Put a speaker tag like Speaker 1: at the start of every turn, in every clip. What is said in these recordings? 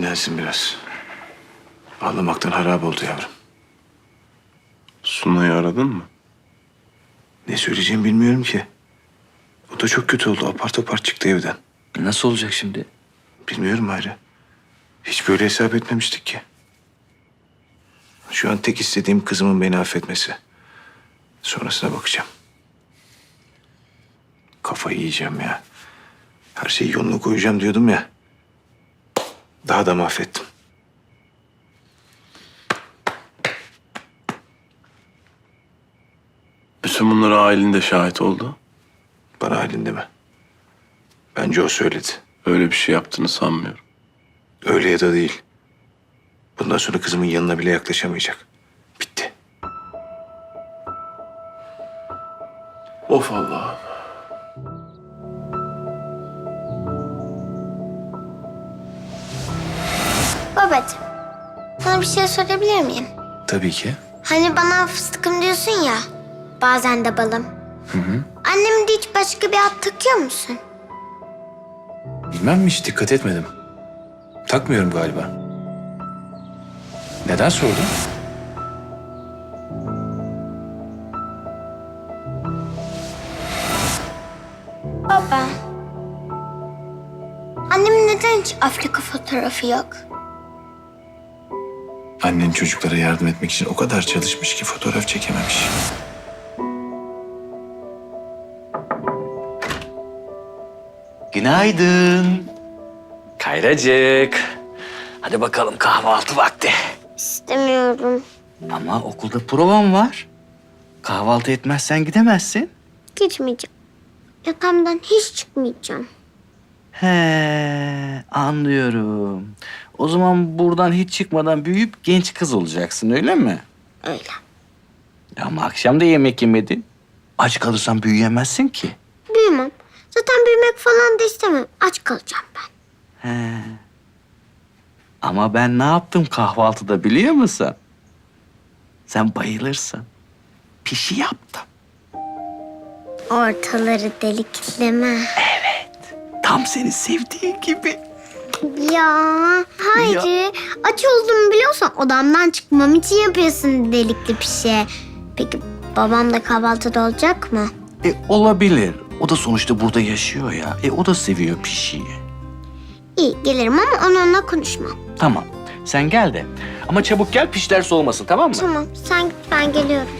Speaker 1: dinlensin biraz. Ağlamaktan harap oldu yavrum.
Speaker 2: Sunay'ı aradın mı?
Speaker 1: Ne söyleyeceğimi bilmiyorum ki. O da çok kötü oldu. Apar topar çıktı evden.
Speaker 3: Nasıl olacak şimdi?
Speaker 1: Bilmiyorum Hayri. Hiç böyle hesap etmemiştik ki. Şu an tek istediğim kızımın beni affetmesi. Sonrasına bakacağım. Kafayı yiyeceğim ya. Her şeyi yoluna koyacağım diyordum ya. Daha da mahvettim.
Speaker 2: Bütün bunlara ailen de şahit oldu.
Speaker 1: Bana halinde mi? Bence o söyledi.
Speaker 2: Öyle bir şey yaptığını sanmıyorum.
Speaker 1: Öyle ya da değil. Bundan sonra kızımın yanına bile yaklaşamayacak. Bitti.
Speaker 2: Of Allah'ım.
Speaker 4: Babacığım, sana bir şey sorabilir miyim?
Speaker 1: Tabii ki.
Speaker 4: Hani bana fıstıkım diyorsun ya, bazen de balım. Annemin de hiç başka bir ad takıyor musun?
Speaker 1: Bilmem mi, hiç dikkat etmedim. Takmıyorum galiba. Neden sordun?
Speaker 4: Baba, annemin neden hiç Afrika fotoğrafı yok?
Speaker 1: Annen çocuklara yardım etmek için o kadar çalışmış ki fotoğraf çekememiş.
Speaker 3: Günaydın. Kayracık. Hadi bakalım kahvaltı vakti.
Speaker 4: İstemiyorum.
Speaker 3: Ama okulda provam var. Kahvaltı etmezsen gidemezsin.
Speaker 4: Gitmeyeceğim. Yatağımdan hiç çıkmayacağım.
Speaker 3: He, anlıyorum. O zaman buradan hiç çıkmadan büyüyüp genç kız olacaksın, öyle mi?
Speaker 4: Öyle.
Speaker 3: Ama akşam da yemek yemedin. Aç kalırsan büyüyemezsin ki.
Speaker 4: Büyümem. Zaten büyümek falan da istemem. Aç kalacağım ben.
Speaker 3: He. Ama ben ne yaptım kahvaltıda biliyor musun? Sen bayılırsın. Pişi yaptım.
Speaker 4: Ortaları delikleme.
Speaker 3: Tam seni sevdiği gibi.
Speaker 4: Ya hayır. Aç olduğumu biliyorsan odamdan çıkmam için yapıyorsun delikli pişe. Peki babam da kahvaltıda olacak mı?
Speaker 3: Olabilir. O da sonuçta burada yaşıyor ya. O da seviyor pişiyi.
Speaker 4: İyi gelirim ama onunla konuşmam.
Speaker 3: Tamam. Sen gel de. Ama çabuk gel, pişler soğumasın, tamam mı?
Speaker 4: Tamam sen git ben geliyorum.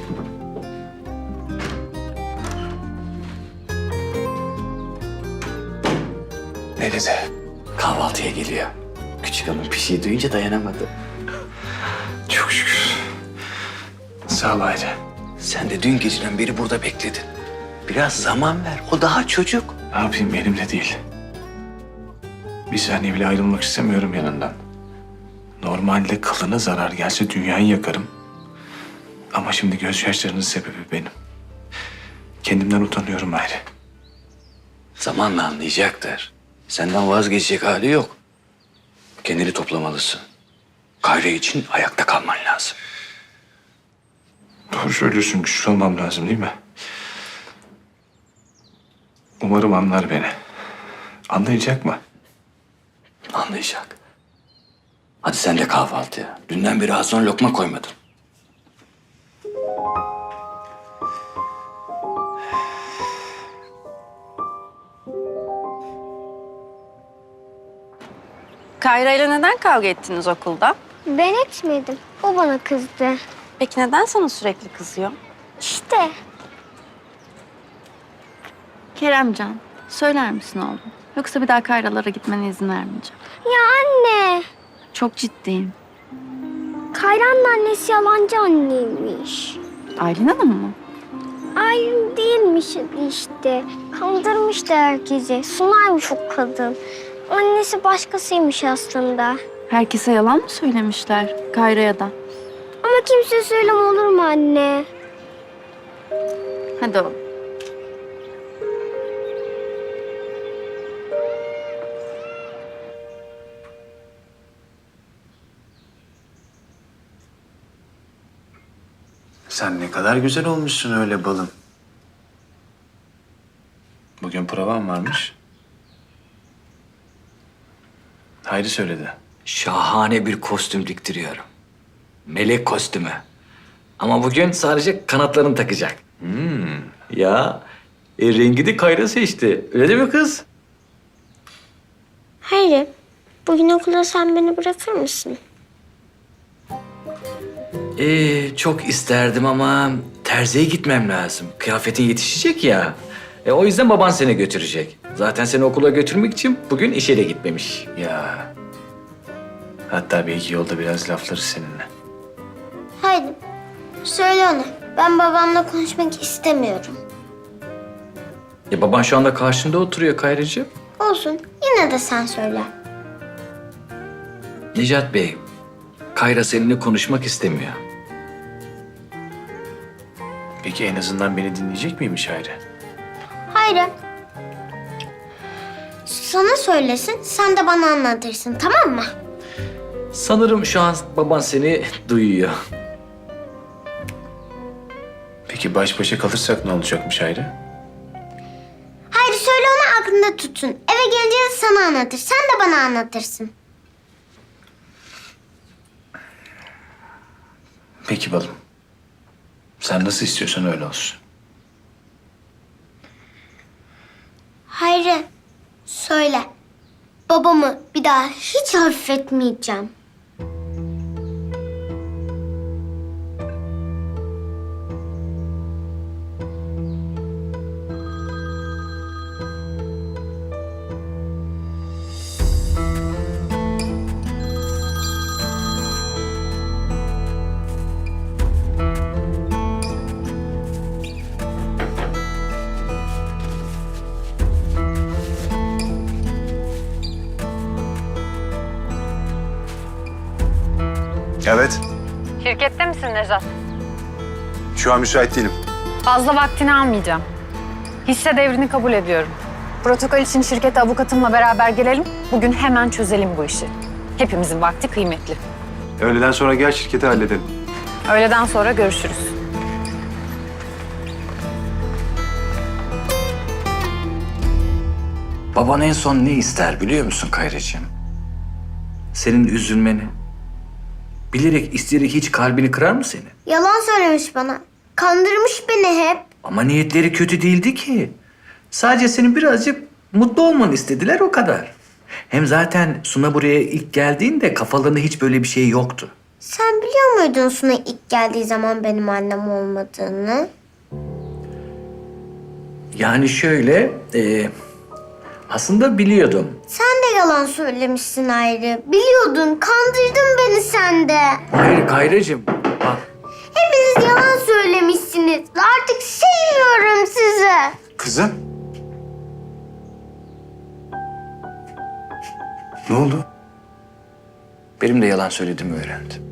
Speaker 1: Ne dedi?
Speaker 3: Kahvaltıya geliyor. Küçük hanım pişiyi duyunca dayanamadı.
Speaker 1: Çok şükür. Sağ ol Hayri.
Speaker 3: Sen de dün geceden beri burada bekledin. Biraz zaman ver. O daha çocuk.
Speaker 1: Ne yapayım, elimde değil. Bir saniye bile ayrılmak istemiyorum yanından. Normalde kılına zarar gelse dünyayı yakarım. Ama şimdi gözyaşlarının sebebi benim. Kendimden utanıyorum Hayri.
Speaker 3: Zamanla anlayacaktır. Senden vazgeçecek hali yok. Kendini toplamalısın. Kayra için ayakta kalman lazım.
Speaker 1: Doğru söylüyorsun, güçlü olmam lazım değil mi? Umarım anlar beni. Anlayacak mı?
Speaker 3: Anlayacak. Hadi sen de kahvaltıya. Dünden beri ağzına lokma koymadın.
Speaker 5: Kayra ile neden kavga ettiniz okulda?
Speaker 4: Ben etmedim. O bana kızdı.
Speaker 5: Peki neden sana sürekli kızıyor?
Speaker 4: İşte.
Speaker 6: Keremcan, söyler misin oğlum? Yoksa bir daha Kayralara gitmene izin vermeyeceğim.
Speaker 4: Ya anne.
Speaker 6: Çok ciddiyim.
Speaker 4: Kayran'ın annesi yalancı anneymiş.
Speaker 6: Aylin Hanım mı?
Speaker 4: Aylin değilmiş işte. Kandırmıştı herkesi. Sunaymış o kadın. Annesi başkasıymış aslında.
Speaker 6: Herkese yalan mı söylemişler Kayra'ya da?
Speaker 4: Ama kimse söyleme olur mu anne?
Speaker 6: Hadi oğlum.
Speaker 1: Sen ne kadar güzel olmuşsun öyle balım. Bugün provam varmış. Hayri söyledi.
Speaker 3: şahane bir kostüm diktiriyorum. Melek kostümü. Ama bugün sadece kanatlarını takacak. Ya rengi de Kayra seçti. Öyle değil mi kız?
Speaker 4: Hayır. Bugün okula sen beni bırakır mısın?
Speaker 3: Çok isterdim ama terziye gitmem lazım. Kıyafetin yetişecek ya. O yüzden baban seni götürecek. Zaten seni okula götürmek için bugün işe de gitmemiş.
Speaker 1: Ya. Hatta belki yolda biraz laflarız seninle.
Speaker 4: Haydi. Söyle ona. Ben babamla konuşmak istemiyorum.
Speaker 3: Baban şu anda karşında oturuyor Kayracığım.
Speaker 4: Olsun. Yine de sen söyle.
Speaker 3: Necat Bey, Kayra seninle konuşmak istemiyor.
Speaker 1: Peki en azından beni dinleyecek miymiş Hayri?
Speaker 4: Hayır. Sana söylesin, sen de bana anlatırsın, tamam mı?
Speaker 3: Sanırım şu an baban seni duyuyor.
Speaker 1: Peki baş başa kalırsak ne olacakmış Hayri?
Speaker 4: Hayır, söyle ona aklında tutsun. Eve gelince de sana anlatır, sen de bana anlatırsın.
Speaker 1: Peki balım. Sen nasıl istiyorsan öyle olsun.
Speaker 4: Hayır, söyle. Babamı bir daha hiç affetmeyeceğim.
Speaker 7: Evet.
Speaker 8: Şirkette misin Nejat?
Speaker 7: Şu an müsait değilim.
Speaker 8: Fazla vaktini almayacağım. Hisse devrini kabul ediyorum. Protokol için şirkete avukatımla beraber gelelim. Bugün hemen çözelim bu işi. Hepimizin vakti kıymetli.
Speaker 7: Öğleden sonra gel şirketi halledelim.
Speaker 8: Öğleden sonra görüşürüz.
Speaker 3: Baban en son ne ister biliyor musun Kayracığım? Senin üzülmeni. Bilerek, isteyerek hiç kalbini kırar mı senin?
Speaker 4: Yalan söylemiş bana. Kandırmış beni hep.
Speaker 3: Ama niyetleri kötü değildi ki. Sadece senin birazcık mutlu olmanı istediler o kadar. Hem zaten Suna buraya ilk geldiğinde kafalarında hiç böyle bir şey yoktu.
Speaker 4: Sen biliyor muydun Suna ilk geldiği zaman benim annem olmadığını?
Speaker 3: Yani şöyle, aslında biliyordum.
Speaker 4: Sen de yalan söylemişsin Ayrı. Biliyordun, kandırdın beni sen de.
Speaker 3: Hayır Kayracığım, bak.
Speaker 4: Hepiniz yalan söylemişsiniz. Artık sevmiyorum sizi.
Speaker 7: Kızım. Ne oldu?
Speaker 3: Benim de yalan söylediğimi öğrendim.